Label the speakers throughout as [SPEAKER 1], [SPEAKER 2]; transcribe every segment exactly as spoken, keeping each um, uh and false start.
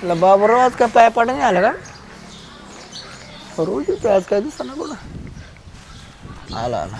[SPEAKER 1] ला बाबा आज काय पाय पाडा नाही आला का रोज येतो आज काय दिसत ना कुठं आला आला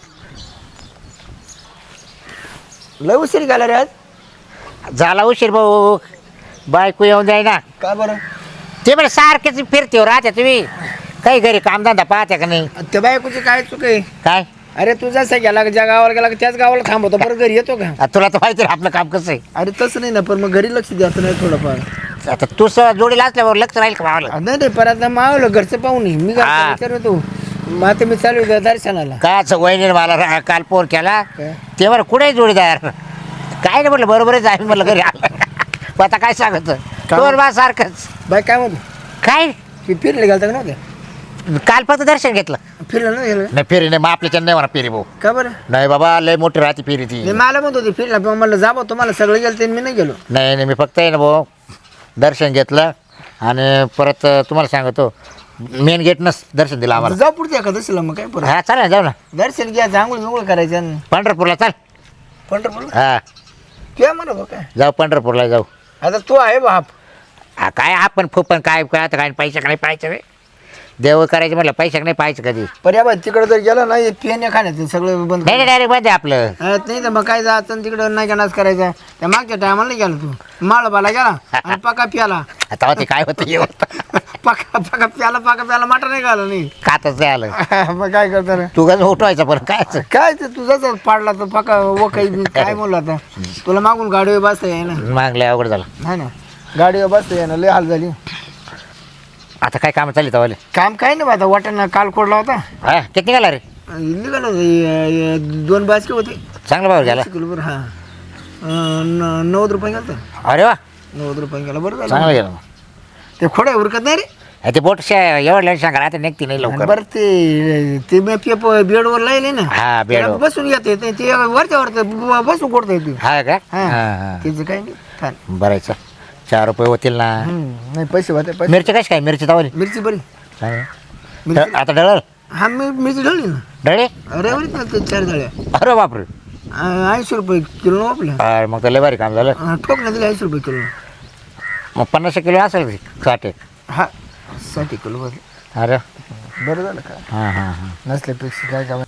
[SPEAKER 1] लय उशीर गेला रे आज
[SPEAKER 2] झाला उशीर भाऊ बायको येऊन जाय ना
[SPEAKER 1] का बरं
[SPEAKER 2] ते म्हणजे सारखेच फिरते हो राहते तुम्ही काही घरी कामधंदा पाहते का नाही
[SPEAKER 1] त्या बायकोची काय चुक आहे
[SPEAKER 2] काय
[SPEAKER 1] अरे तू जसा गेला का ज्या गावाला गेला का त्याच गावाला थांबवतो बरं घरी येतो का
[SPEAKER 2] आता तुला तर माहिती आहे आपलं काम कसं आहे
[SPEAKER 1] अरे तसं नाही ना पण मग घरी लक्ष द्यायचं नाही थोडंफार
[SPEAKER 2] आता तू स जोडीला असल्यावर लक्ष राहील का भावाला
[SPEAKER 1] नाही नाही परत मावलं घरचं पाहून मी
[SPEAKER 2] हा.
[SPEAKER 1] विचार होतो मग आता मी चालू आहे दर्शनाला
[SPEAKER 2] काय असं वहिनी मला रा- काल फोन केला
[SPEAKER 1] काय?
[SPEAKER 2] ते बरं कुठे जोडीदार काय नाही म्हटलं बरोबरच आहे म्हटलं घरी आलं मग आता काय सांगत तोर बा सारखंच
[SPEAKER 1] बाय काय म्हणतो
[SPEAKER 2] काय
[SPEAKER 1] मी फिरले गेलता का नव्हत्या
[SPEAKER 2] काल फक्त दर्शन घेतलं
[SPEAKER 1] फिरलं नाही गेलं
[SPEAKER 2] नाही फेरी नाही मग आपल्याच्या नाही म्हणा फेरी भाऊ
[SPEAKER 1] का बरं
[SPEAKER 2] नाही बाबा लय मोठी राहते फेरी ती
[SPEAKER 1] नाही मला म्हणत होती फिरला पण म्हणलं जा भाऊ तुम्हाला सगळं गेलं ते मी नाही गेलो
[SPEAKER 2] नाही नाही मी फक्त आहे ना भाऊ दर्शन घेतलं आणि परत तुम्हाला सांगतो मेन गेटनंच दर्शन दिलं आम्हाला
[SPEAKER 1] जाऊ पुढच्या एखादशीला मग काय परत
[SPEAKER 2] हा चालेल ना जाऊ ना
[SPEAKER 1] दर्शन घ्या आंघोळ बिंघोळ करायचं आणि
[SPEAKER 2] पंढरपूरला चाल
[SPEAKER 1] पंढरपूर
[SPEAKER 2] हा
[SPEAKER 1] काय म्हणत हो काय
[SPEAKER 2] जाऊ पंढरपूरला जाऊ
[SPEAKER 1] आता तू आहे बाप
[SPEAKER 2] हा काय आपण फुपण काय काय आता काय पैसे का नाही पाहायचं रे देव करायचं म्हटलं पैसे नाही पाहायचं कधी
[SPEAKER 1] पण या बाई तिकडे जर गेला ना पिण्या खाण्याचं सगळं बंद
[SPEAKER 2] नाही नाही डायरेक्ट बंद आहे आपलं
[SPEAKER 1] अरे नाही तर मग काय जायचं तिकडं नाही का नाच करायचा त्या मागच्या टायमाला नाही गेला तू माळबाला गेला आणि पका प्याला
[SPEAKER 2] आता ते काय होतं हे होतं
[SPEAKER 1] पका पका प्याला पका प्याला माटा नाही घाला नाही
[SPEAKER 2] खातच नाही आलं
[SPEAKER 1] मग काय करता रे
[SPEAKER 2] तू कसं उठवायचं पण काय
[SPEAKER 1] काय ते तुझाच पाडला तर पका व काही काय म्हणलं आता तुला मागून गाडीवर बसता येई ना
[SPEAKER 2] मागलं अवघड झालं
[SPEAKER 1] नाही ना गाडीवर बसता येई ना लय हाल झाली
[SPEAKER 2] आता काय काम चालली तवाले
[SPEAKER 1] काम काय नाही आता वाटाणा काल खोडला होता
[SPEAKER 2] हा किती निघाला रे
[SPEAKER 1] निघाला दोन बाजके होते
[SPEAKER 2] चांगलं भाऊ गेला
[SPEAKER 1] किलोभर हा अं, न- नव्वद रुपये गेला
[SPEAKER 2] अरे वा
[SPEAKER 1] नव्वद रुपये गेला बरं झालं
[SPEAKER 2] चांगलं गेलं
[SPEAKER 1] ते खोड्या उरकत नाही रे
[SPEAKER 2] हे ते बोट एवढं सांगा आता निघते नाही लवकर
[SPEAKER 1] बरं ते ते मी पेप बेडवर लायले ना
[SPEAKER 2] हा
[SPEAKER 1] त्याला
[SPEAKER 2] बेड
[SPEAKER 1] बसून येते ते ते वरच्या वर बसून कोडता येते
[SPEAKER 2] हा का
[SPEAKER 1] हा.
[SPEAKER 2] हा हा
[SPEAKER 1] त्याचं काही नाही छान
[SPEAKER 2] बरं आहे, चल. चार रुपये होतील ना
[SPEAKER 1] हम्म, नाही पैसे होते पैसे
[SPEAKER 2] मिरची कशी काय मिरची तवाली
[SPEAKER 1] मिरची बरी
[SPEAKER 2] चांगलं.
[SPEAKER 1] मिरची
[SPEAKER 2] आता डळल
[SPEAKER 1] हा मी मिरची ढळली ना
[SPEAKER 2] डळे
[SPEAKER 1] रविवारीच ना ते चार झाल्या
[SPEAKER 2] अरे बापरे
[SPEAKER 1] ऐंशी रुपये किलो ना आपल्या
[SPEAKER 2] अरे मग तर लय भारी काम झालं
[SPEAKER 1] हा, ठोक ना दिले ऐंशी रुपये किलो
[SPEAKER 2] मग पन्नास किलो असेल ती, साठ एक
[SPEAKER 1] हा साठी किलो बरं
[SPEAKER 2] अरे
[SPEAKER 1] बरं झालं का
[SPEAKER 2] हां हां हां
[SPEAKER 1] नसल्यापेक्षा काय काम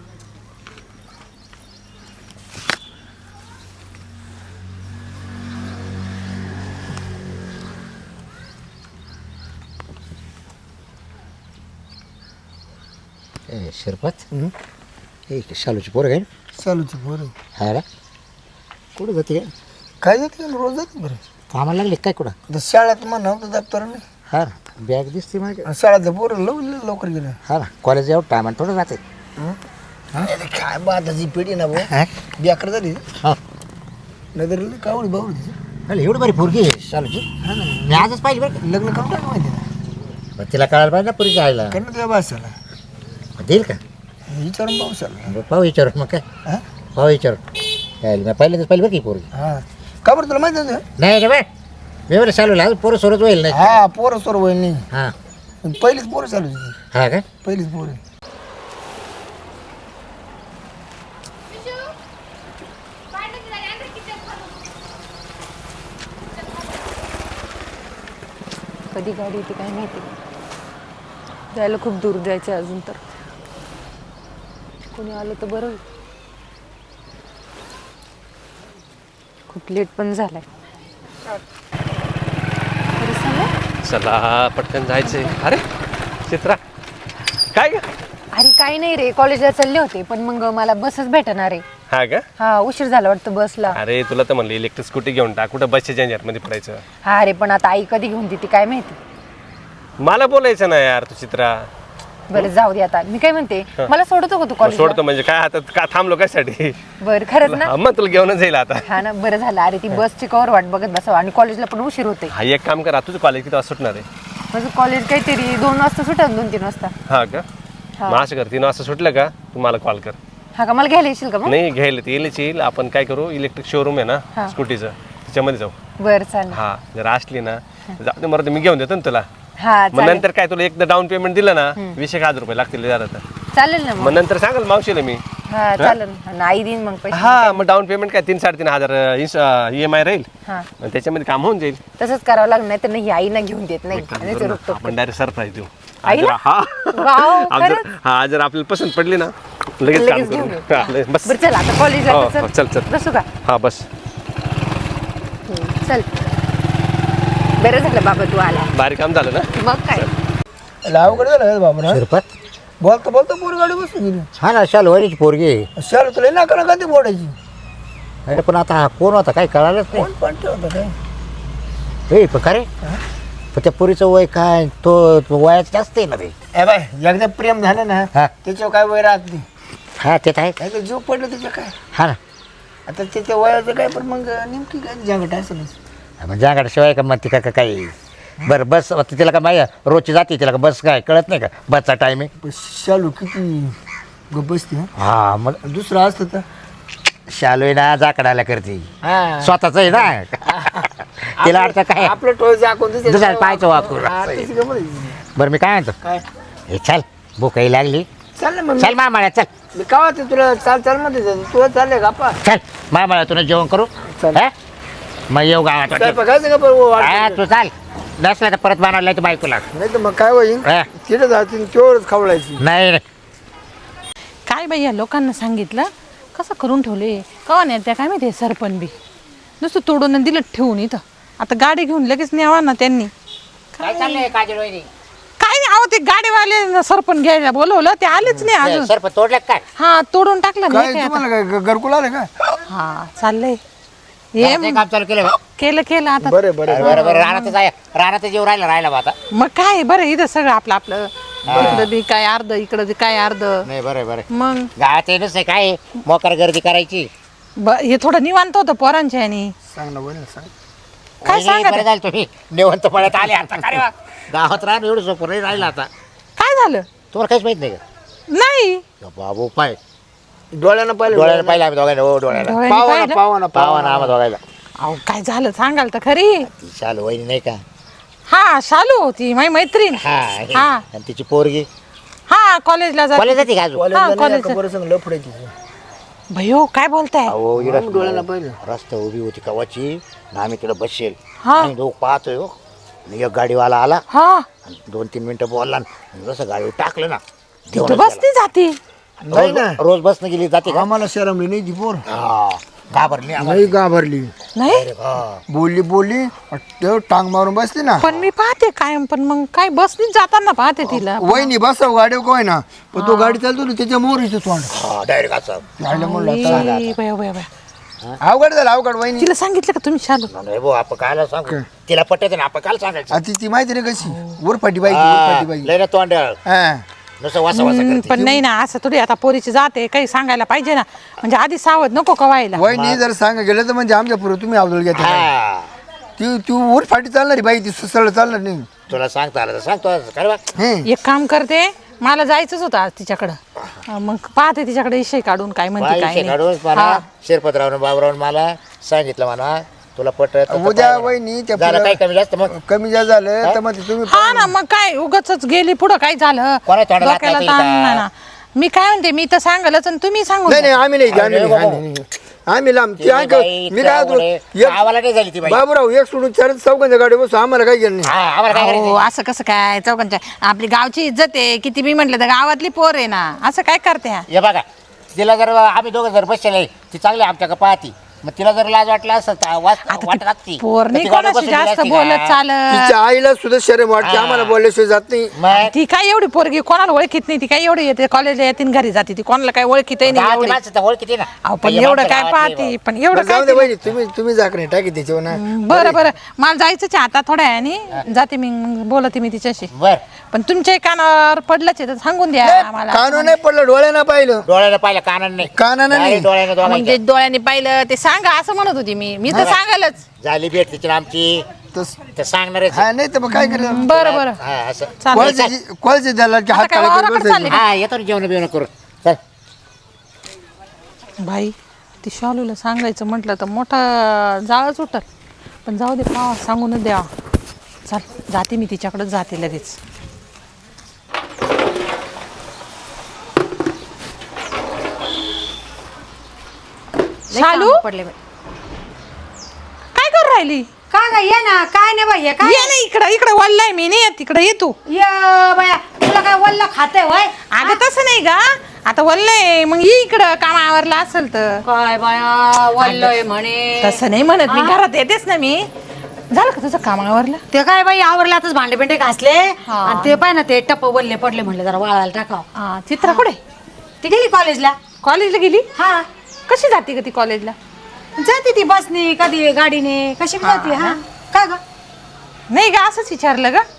[SPEAKER 2] ए शिरपत ए शालूची पोरं काय
[SPEAKER 1] चालूच बरं
[SPEAKER 2] हा रे कुठं जाते काय
[SPEAKER 1] काय जाते रोज जाते बरं
[SPEAKER 2] कामाला लागले काय कुठं
[SPEAKER 1] आता शाळेत म्हणा होतं दप्तर नाही
[SPEAKER 2] हा बॅग दिसते माझ्या
[SPEAKER 1] शाळेतलं पोरं लव लवकर गेलं
[SPEAKER 2] हा ना कॉलेज एवढं टायमान थोडं जाते
[SPEAKER 1] अरे काय बाताची पिढी ना भाऊ
[SPEAKER 2] हा
[SPEAKER 1] बेकार झाली
[SPEAKER 2] हा
[SPEAKER 1] नजर कावडी बावडी तिची.
[SPEAKER 2] अरे एवढं भारी पोरगी आहे शालूची
[SPEAKER 1] हा ना
[SPEAKER 2] मी आजच पाहिजे बरं का.
[SPEAKER 1] लग्न करून टाका माहिती ना
[SPEAKER 2] मग तिला कळायला पाहिजे ना पुरी जायला
[SPEAKER 1] कारण तुझ्या भाषाला
[SPEAKER 2] देईल का
[SPEAKER 1] विचारून पावसाला
[SPEAKER 2] बरं, पाहू विचारून मग काय
[SPEAKER 1] हा
[SPEAKER 2] पाहू विचारून यायला मी पहिल्यांदाच पाहिजे बरं की पोरगी
[SPEAKER 1] हा का बरं तुला माहिती होतं
[SPEAKER 2] नाही रे बाय मी बरं चालू लागलं पोरं सोरच होईल नाही
[SPEAKER 1] हा पोरं सोर होईल नाही
[SPEAKER 2] हां
[SPEAKER 1] पण पहिलीच पोरं चालू होती
[SPEAKER 2] हा का
[SPEAKER 1] पहिलीच पोरं
[SPEAKER 3] कधी गाडी येते काय माहिती जायला खूप दूर जायचं आहे अजून तर कोणी आलं तर बरं होईल. खूप लेट पण झालाय बरं झालं?
[SPEAKER 4] चला पटकन जायचंय. अरे चित्रा काय ग
[SPEAKER 3] अरे काही नाही रे कॉलेजला चालले होते पण मग मला बसच भेटणार आहे.
[SPEAKER 4] हा का
[SPEAKER 3] हा उशीर झाला वाटतं बसला.
[SPEAKER 4] अरे तुला तर म्हणलं इलेक्ट्रिक स्कूटी घेऊन टाक कुठं बसच्या जंजर मध्ये पडायचं.
[SPEAKER 3] हा रे पण आता आई कधी घेऊन देते काय माहिती.
[SPEAKER 4] मला बोलायचं ना यार तू चित्रा.
[SPEAKER 3] बरं जाऊ दे आता मी काय म्हणते मला सोडतो का तू
[SPEAKER 4] मग
[SPEAKER 3] कॉलेज
[SPEAKER 4] सोडतो म्हणजे काय आता का थांबलो कशासाठी.
[SPEAKER 3] बरं खरंच ना
[SPEAKER 4] मग तुला घेऊनच जाईल आता.
[SPEAKER 3] हा ना बरं झालं अरे ती बसची कवर वाट बघत बसावं आणि कॉलेजला पण उशीर होते.
[SPEAKER 4] हा एक काम कर तुझं कॉलेज किती वाजता सुटणार आहे.
[SPEAKER 3] माझं कॉलेज काहीतरी दोन वाजता सुटत दोन तीन वाजता.
[SPEAKER 4] हा का
[SPEAKER 3] हा.
[SPEAKER 4] मग असं कर तीन वाजता सुटलं का तू मला कॉल कर.
[SPEAKER 3] हा का मला घ्यायला येशील का मग.
[SPEAKER 4] नाही घ्यायला ते येईलच येईल आपण काय करू इलेक्ट्रिक शोरूम आहे
[SPEAKER 3] हा.
[SPEAKER 4] ना स्कूटीचं त्याच्यामध्ये जाऊ.
[SPEAKER 3] बरं चालेल.
[SPEAKER 4] हा जर असली ना जाऊ दे मरत मी घेऊन देतो ना तुला.
[SPEAKER 3] हा
[SPEAKER 4] मग
[SPEAKER 3] चालेल
[SPEAKER 4] नंतर काय तुला एकदा डाऊन पेमेंट दिलं ना वीस एक हजार रुपये लागतील जरा तर.
[SPEAKER 3] चालेल ना
[SPEAKER 4] मग
[SPEAKER 3] मग.
[SPEAKER 4] नंतर सांगाल मावशीला मी
[SPEAKER 3] हा चालेल आणि आई देईन मग पैसे
[SPEAKER 4] हा मग डाऊन पेमेंट काय तीन साडेतीन हजार ई एम आय राहील
[SPEAKER 3] हा
[SPEAKER 4] आणि त्याच्यामध्ये काम होऊन जाईल.
[SPEAKER 3] तसंच करावं लागणार नाही तर नाही आई ना घेऊन देत नाही
[SPEAKER 4] एक काम
[SPEAKER 3] आणि
[SPEAKER 4] करू
[SPEAKER 3] ते
[SPEAKER 4] ना,
[SPEAKER 3] रोखटोक
[SPEAKER 4] आपण डायरेक्ट सरप्राईज देऊ.
[SPEAKER 3] आईला?
[SPEAKER 4] आज जर- हा
[SPEAKER 3] वाव,
[SPEAKER 4] आज जर-
[SPEAKER 3] खरंच?
[SPEAKER 4] हा जर आपल्याला पसंत पडली ना लगेच काम
[SPEAKER 3] लगेच घेऊन
[SPEAKER 4] करू.
[SPEAKER 3] येऊ.
[SPEAKER 4] हा, लगेच. बस
[SPEAKER 3] बरं चल आता कॉलेजला
[SPEAKER 4] हो,
[SPEAKER 3] तर
[SPEAKER 4] हो, चल, चल.
[SPEAKER 3] बसू का
[SPEAKER 4] हा बस
[SPEAKER 3] हम्म, चल बरं झालं बाबा तू आला
[SPEAKER 4] भारी काम झालं ना.
[SPEAKER 3] मग काय
[SPEAKER 1] लावकडे झालं बाबा ना
[SPEAKER 2] शिरपत
[SPEAKER 1] बोलता बोलता पोर गाडी बसून गेली
[SPEAKER 2] हा ना शाल वरीची पोरगी आहे.
[SPEAKER 1] शाल तुला ना करा कधी बोलायची
[SPEAKER 2] अरे पण आता हा कोण होता काही कळालंच नाही.
[SPEAKER 1] कोण पण ठेवतं काय
[SPEAKER 2] ए पण का रे पण त्या पोरीचं वय काय तो तो वयाचं जास्त आहे ना रे.
[SPEAKER 1] ए बाय एकदा प्रेम झालं ना
[SPEAKER 2] हा
[SPEAKER 1] त्याच्यावर काय वय राहत नाही
[SPEAKER 2] हा ते तर आहे.
[SPEAKER 1] काय तर जीव पडलं त्याच्या काय
[SPEAKER 2] हा ना
[SPEAKER 1] आता त्याच्या वयाचं काय पण मग नेमकी काय जागट असेल
[SPEAKER 2] म्हणजे जागाशिवाय का मग ती का का काही बरं बस आता तिला का माहिती रोजची जाते तिला का बस काय कळत नाही का बसचा टाईम आहे.
[SPEAKER 1] शालू किती ग बसते हा
[SPEAKER 2] हा मग
[SPEAKER 1] दुसरं असतं तर
[SPEAKER 2] शालू आहे ना जाकडायला करते
[SPEAKER 1] हा.
[SPEAKER 2] स्वतःच आहे ना तिला अडचण काय
[SPEAKER 1] आपलं टोळ जाकून
[SPEAKER 2] दुसऱ्या पाहायचं वापरून. बरं मी काय म्हणतो
[SPEAKER 1] काय
[SPEAKER 2] हे चल भूकही लागली
[SPEAKER 1] चाल ना मग
[SPEAKER 2] चल मामाळ्या चल
[SPEAKER 1] मी का वाटतं तुला चाल चाल मध्ये तुला चाललंय का पा
[SPEAKER 2] चल मामाळ्या तुला जेवण करू
[SPEAKER 1] चल.
[SPEAKER 2] हा? मग येऊ गावात
[SPEAKER 1] काय बघायचं का बरं
[SPEAKER 2] हा
[SPEAKER 1] वाट
[SPEAKER 2] तू चाल नसला तर परत बनवलाय तर बायकोला
[SPEAKER 1] नाही तर मग काय होईल
[SPEAKER 2] हा.
[SPEAKER 1] तिथे जातील तेवढंच खवळायची
[SPEAKER 2] नाही नाही
[SPEAKER 3] काय बाई या लोकांना सांगितलं कसं करून ठेवले कवा नाही त्या काय माहिती सरपण बी नुसतं तोडून आणि दिलं ठेवून इथं आता गाडी घेऊन लगेच न्यावा ना त्यांनी
[SPEAKER 2] काय चाललंय काजल वहिनी
[SPEAKER 3] काय नाही अहो ते गाडीवाले सरपण घ्यायला बोलवलं ते आलेच नाही अजून
[SPEAKER 2] सर्प तोडलं का काय
[SPEAKER 3] हा तोडून टाकलं
[SPEAKER 1] काय
[SPEAKER 3] नाही काय आता
[SPEAKER 1] तुम्हाला काय घरकुल आलं का
[SPEAKER 3] हा चाललंय हे
[SPEAKER 2] ते काम चालू केलं बा.
[SPEAKER 3] केलं केलं आता
[SPEAKER 1] बरं बरं
[SPEAKER 2] बरं बरं राहण्यातच आहे राहण्यातच जेव राहिला राहिला बा आता
[SPEAKER 3] मग काय बरं इथं सगळं आपलं आपलं इकडं बी काय अर्ध इकडं बी काय अर्ध
[SPEAKER 2] नाही बरं बरं
[SPEAKER 3] मग
[SPEAKER 2] गावात येणच नाही काय मोकार गर्दी करायची
[SPEAKER 3] ब हे थोडं निवांत होतं पोरांच्या आणि
[SPEAKER 1] सांग ना बोल सांग
[SPEAKER 3] काय
[SPEAKER 2] वहिनी,
[SPEAKER 3] सांगा
[SPEAKER 2] बरं
[SPEAKER 3] ते?
[SPEAKER 2] झालं तुम्ही निवंत पळत आले आता काय वा? गावात राहणं एवढं सोपं नाही राहिलं आता
[SPEAKER 3] काय झालं
[SPEAKER 2] तुम्हाला काहीच माहित नाही का
[SPEAKER 3] नाही
[SPEAKER 2] या बाबू पाय
[SPEAKER 1] डोळ्यानं पाहिलं
[SPEAKER 2] डोळ्याला पाहिलं आम्ही दोघांना हो डोळ्याला
[SPEAKER 3] डोळ्याने
[SPEAKER 1] पावा ना
[SPEAKER 3] पाहिलं?
[SPEAKER 1] पावा ना
[SPEAKER 2] पावा ना आम्हा दोघायला
[SPEAKER 3] अहो काय झालं सांगाल तर खरी
[SPEAKER 2] ती शालू वहिनी नाही का
[SPEAKER 3] हा शालू होती माझी मैत्रीण
[SPEAKER 2] हा हे.
[SPEAKER 3] हा.
[SPEAKER 2] आणि तिची पोरगी
[SPEAKER 3] हा कॉलेजला जाते
[SPEAKER 2] कॉलेज जाते का अजून
[SPEAKER 1] कॉलेजला नाही
[SPEAKER 3] कॉलेजचं.
[SPEAKER 1] का बरं सांग लफडायची
[SPEAKER 3] भयो काय बोलताय
[SPEAKER 2] अहो इकडं
[SPEAKER 1] डोळ्याला पाहिलं
[SPEAKER 2] रस्ता उभी होती कवाची ना आम्ही तिकडं बसेल
[SPEAKER 3] हा.
[SPEAKER 2] आणि दोघ पाहतोय हो आणि एक गाडीवाला आला
[SPEAKER 3] हा
[SPEAKER 2] आणि दोन तीन मिनिटं बोलला आणि जसं गाडीवर टाकलं ना
[SPEAKER 3] तू
[SPEAKER 2] देऊनच
[SPEAKER 3] बसती जाती
[SPEAKER 1] नाही
[SPEAKER 2] गेला.
[SPEAKER 1] ना
[SPEAKER 2] रोज रोज बसनं गेली जाते का
[SPEAKER 1] आम्हाला शरमली नाही ती पोर
[SPEAKER 2] हा घाबरली आम्हाला.
[SPEAKER 1] नाही घाबरली
[SPEAKER 3] नाही
[SPEAKER 2] हा.
[SPEAKER 1] बोलली बोलली तेव्हा टांग मारून बसली ना
[SPEAKER 3] पण मी पाहते कायम पण मग काय बसनीच जाताना पाहते तिला
[SPEAKER 1] वहिनी बसव गाडी काय ना पण तो गाडी चालतो ना त्याच्या मोरीचं तोंड
[SPEAKER 2] हा डायरेक्ट असं
[SPEAKER 1] राहिलं म्हणलं
[SPEAKER 3] आई, बया, बया, बया.
[SPEAKER 1] अवघड झालं अवघड वहिनी
[SPEAKER 3] तिला सांगितलं का तुम्ही शालू
[SPEAKER 2] नाही भाऊ आपण कायला सांगू तिला पटत ना आपण कायला सांगायचं
[SPEAKER 1] आता ती माहिती नाही कशी उरफाटी बाई
[SPEAKER 2] हा,
[SPEAKER 1] उरफाटी बाई
[SPEAKER 2] लय ना तोंड
[SPEAKER 1] हा
[SPEAKER 2] नुसतं वासा वासा
[SPEAKER 3] हम्म,
[SPEAKER 2] करते
[SPEAKER 3] पण नाही ना असं थोडी आता पोरीची जाते काही सांगायला पाहिजे ना म्हणजे आधी सावध नको का व्हायला
[SPEAKER 1] वहिनी जर सांग गेलं तर म्हणजे आमच्या पुढे तुम्ही अवदळ घ्या
[SPEAKER 2] हा
[SPEAKER 1] ती ती उरफाटी चालणारी बाई ती सरळ चालणार नाही
[SPEAKER 2] तुला सांगता आलं तर सांगतो काय बा
[SPEAKER 1] हे
[SPEAKER 3] एक काम करते मला जायचंच होतं आज तिच्याकडं अं, मग पाहते तिच्याकडे विषय काढून काय म्हणते काय
[SPEAKER 2] पैसे काढून
[SPEAKER 3] नाही
[SPEAKER 2] मला
[SPEAKER 3] हा.
[SPEAKER 2] शिरपतरावनं बाबरावून मला सांगितलं म्हणा तुला पटत
[SPEAKER 1] उद्या वहिनी त्या
[SPEAKER 2] झालं काय
[SPEAKER 1] पुढं
[SPEAKER 2] कमी जास्त मग
[SPEAKER 1] कमी जास्त झालं तर मग ते तुम्ही
[SPEAKER 3] हा ना मग काय उगाच गेली पुढं काय झालं
[SPEAKER 2] कोणा तोंडाला
[SPEAKER 3] डोक्याला
[SPEAKER 2] हात लावतील
[SPEAKER 3] ताण
[SPEAKER 2] का?
[SPEAKER 3] नाही ना मी काय म्हणते मी तर सांगालच आणि तुम्ही सांगून
[SPEAKER 1] नाही
[SPEAKER 3] द्या.
[SPEAKER 1] नाही आम्ही नाही आम्ही
[SPEAKER 2] अरे
[SPEAKER 1] नाही,
[SPEAKER 2] बाबा.
[SPEAKER 1] आम्ही नाही. आम्ही लांब ती
[SPEAKER 2] ती
[SPEAKER 1] ऐक
[SPEAKER 2] बाई
[SPEAKER 1] मी काय होतो
[SPEAKER 2] त्यामुळे गावाला नाही झाली ती बाई
[SPEAKER 1] बाबूराव एक सोडून चार चौघांच्या गाडी बसू आम्हाला काय घेणं नाही
[SPEAKER 2] हा आम्हाला काय
[SPEAKER 3] अहो,
[SPEAKER 2] करायचं
[SPEAKER 3] असं कसं काय चौकांच्या आपली गावची इज्जत आहे किती बी म्हटलं तर गावातली पोर आहे ना असं काय करते हा?
[SPEAKER 2] हे बघा तिला जर आम्ही दोघं जर बसले ती चांगली आमच्याकडे पाहती मग तिला जर लाज वाटला असं तर वाट-
[SPEAKER 3] आता
[SPEAKER 2] वाटत असती
[SPEAKER 3] पोर
[SPEAKER 2] तर
[SPEAKER 3] नाही
[SPEAKER 2] ती गाडीवर
[SPEAKER 3] कोणाशी
[SPEAKER 2] बसून गेली
[SPEAKER 3] जास्त
[SPEAKER 2] असती
[SPEAKER 3] बोलत
[SPEAKER 2] का?
[SPEAKER 3] चालत
[SPEAKER 1] तिच्या आईला सुद्धा शरम वाटते आम्हाला बोलल्याशिवाय जात नाही
[SPEAKER 2] मग
[SPEAKER 3] ती काय एवढी पोरगी कोणाला ओळखीत नाही ती काय एवढी येते कॉलेजला येते आणि घरी जाते ती कोणाला काय ओळखीत नाही
[SPEAKER 2] गावातली
[SPEAKER 3] एवढी.
[SPEAKER 2] माणसं तर ओळखीती ना
[SPEAKER 3] अहो, पण
[SPEAKER 2] हे
[SPEAKER 3] एवढं
[SPEAKER 2] माणसं
[SPEAKER 3] काय
[SPEAKER 2] गावातली
[SPEAKER 3] पाहते
[SPEAKER 2] बा.
[SPEAKER 3] पण एवढं
[SPEAKER 1] बरं,
[SPEAKER 3] काय
[SPEAKER 1] जाऊ दे
[SPEAKER 3] ती-
[SPEAKER 1] बहिणी तुम्ही तुम्ही जाकर टाकी त्याच्यावर ना
[SPEAKER 3] बरं बरं मला जायचंच आहे आता थोड्या वेळाने जाते मी मग बोलते मी तिच्याशी
[SPEAKER 2] बर
[SPEAKER 3] पण तुमच्या कानावर पडलंच आहे तर सांगून द्या आम्हाला
[SPEAKER 1] कानून नाही पडलं डोळ्यानं पाहिलं
[SPEAKER 2] डोळ्यानं पाहिलं कानानं नाही
[SPEAKER 1] कानानं नाही.
[SPEAKER 2] Direct डोळ्यानं
[SPEAKER 3] मग
[SPEAKER 2] दोघांच्या.
[SPEAKER 3] ते डोळ्याने पाहिलं ते सांगा असं म्हणत होती मी मी तर सांगालच
[SPEAKER 2] झाली भेट तिची ना आमची
[SPEAKER 1] तस
[SPEAKER 2] तर सांगणारच
[SPEAKER 1] हा नाही तर मग काय करायचं
[SPEAKER 3] बरं बरं
[SPEAKER 2] हा असं
[SPEAKER 3] चालेल
[SPEAKER 1] कॉलचे कॉलचे द्यायला की
[SPEAKER 3] आता
[SPEAKER 1] हात
[SPEAKER 3] काय
[SPEAKER 1] काढा
[SPEAKER 3] वावराकडे चालले का?
[SPEAKER 2] हा येतो ना जेवण बिवणं करून चल
[SPEAKER 3] भाई ती शालूला सांगायचं म्हटलं तर मोठा जाळच उठल पण जाऊ दे पावा सांगूनच द्यावा चल जाते मी तिच्याकडेच जाते लगेच
[SPEAKER 5] लय
[SPEAKER 3] शालू?
[SPEAKER 5] कामं पडले बाई.
[SPEAKER 3] काय करू राहिली
[SPEAKER 5] का ग ये ना काय नाही बाई हे काय
[SPEAKER 3] ये ना इकडं इकडं वल्लाय मी नाही तिकडे ये तू
[SPEAKER 5] ये बाया तुला काय वल्ल खाते वय
[SPEAKER 3] अगं तसं नाही का आता वल्लय मग ये इकडं काम आवरलं असेल तर
[SPEAKER 5] काय बाया वल्लय म्हणे
[SPEAKER 3] तसं नाही म्हणत मी घरात येतेच ना मी झालं का तुझं काम आवरलं
[SPEAKER 5] ते काय बाई आवरले आताच भांडे बिंडे घासले
[SPEAKER 3] हा.
[SPEAKER 5] आणि ते पाय ना ते टप्प वल्ले पडले म्हणले जरा वाळायला टाकाव
[SPEAKER 3] हा, चित्रा कुठे
[SPEAKER 5] ती गेली कॉलेजला
[SPEAKER 3] कॉलेजला गेली
[SPEAKER 5] हा
[SPEAKER 3] कशी जाते का ती कॉलेजला
[SPEAKER 5] जाते ती बसने कधी गाडीने कशी पण जाते हा का ग
[SPEAKER 3] नाही का असंच विचारलं का